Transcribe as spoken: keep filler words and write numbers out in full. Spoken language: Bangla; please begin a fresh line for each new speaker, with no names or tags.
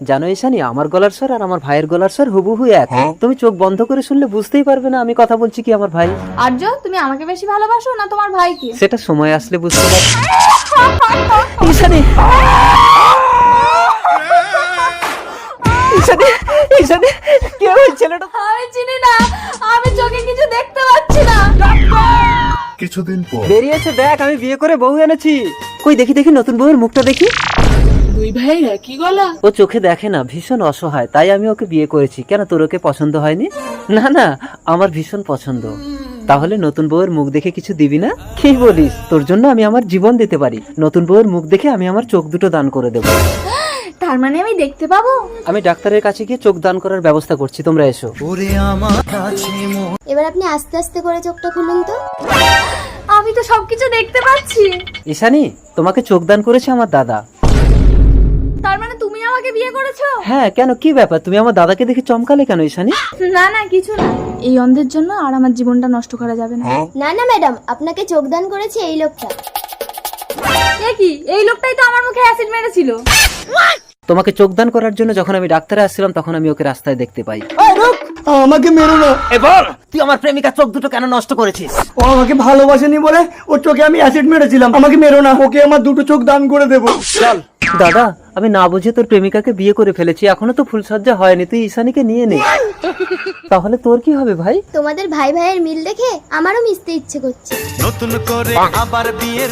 জানো ঈশানী, আমার গলার স্বর আর আমার ভাইয়ের গলার স্বর হুবহু এক। তুমি চোখ বন্ধ করে শুনলে বুঝতেই পারবে না আমি কথা বলছি কি আমার ভাই।
আর্য, তুমি আমাকে বেশি ভালোবাসো না তোমার ভাইকে?
সেটা সময় আসলে বুঝতে পারবে। ঈশানী, ঈশানী, ঈশানী, কে ওই ছেলেটা?
আমি চিনি না, আমি চোখে কিছু দেখতে পাচ্ছি না।
কিছুদিন পর
বেরিয়েছে, দেখ আমি বিয়ে করে বউ এনেছি। কই দেখি দেখি নতুন বউয়ের মুখটা দেখি।
দুই ভাইয়ের একই গলা।
ও চোখে দেখে না, ভীষণ অসহায়, তাই আমি ওকে বিয়ে করেছি। কেন, তোর ওকে পছন্দ হয়নি? না না, আমার ভীষণ পছন্দ। তাহলে নতুন বউয়ের মুখ দেখে কিছু দিবি না? কি বলিস, তোর জন্য আমি আমার জীবন দিতে পারি। নতুন বউয়ের মুখ দেখে আমি আমার চোখ দুটো দান করে দেবো।
তার মানে আমি দেখতে পাবো?
আমি ডাক্তারের কাছে গিয়ে চোখ দান করার ব্যবস্থা করছি, তোমরা এসো।
এবার আপনি আস্তে আস্তে করে চোখটা খুলুন তো।
আমি তো সবকিছু দেখতে পাচ্ছি।
ঈশানী, তোমাকে চোখ দান করেছে আমার দাদা।
তার মানে তুমি আমাকে বিয়ে করেছো?
হ্যাঁ, কেন, কি ব্যাপার? তুমি আমার দাদাকে দেখে চমকালে কেন ঈশানী?
না না, কিছু না। এই অন্ধের জন্য আর আমার জীবনটা নষ্ট করা যাবে না।
না না ম্যাডাম, আপনাকে চোখদান করেছে এই লোকটা।
এ কি, এই লোকটাই তো আমার মুখে অ্যাসিড মেরেছিল।
তোমাকে চোখ দান করার জন্য যখন আমি ডাক্তারে আসছিলাম তখন আমি ওকে রাস্তায় দেখতে পাই।
আমাকে মেরো না।
এবার তুই আমার প্রেমিকা চোখ দুটো কেন নষ্ট করেছিস?
ও আমাকে ভালোবাসেনি বলে ওর চোখে আমি অ্যাসিড মেরেছিলাম। আমাকে মেরো না, ওকে আমার দুটো চোখ দান করে দেবো।
চল দাদা, আমি না বুঝে তোর প্রেমিকাকে বিয়ে করে ফেলেছি, এখনো তো ফুলসজ্জা হয়নি, তুই ঈশানীকে নিয়ে নে। তাহলে তোর কি হবে ভাই?
তোমাদের ভাই ভাইয়ের মিল দেখে আমারও মিশতে ইচ্ছে করছে।
নতুন করে আবার বিয়ের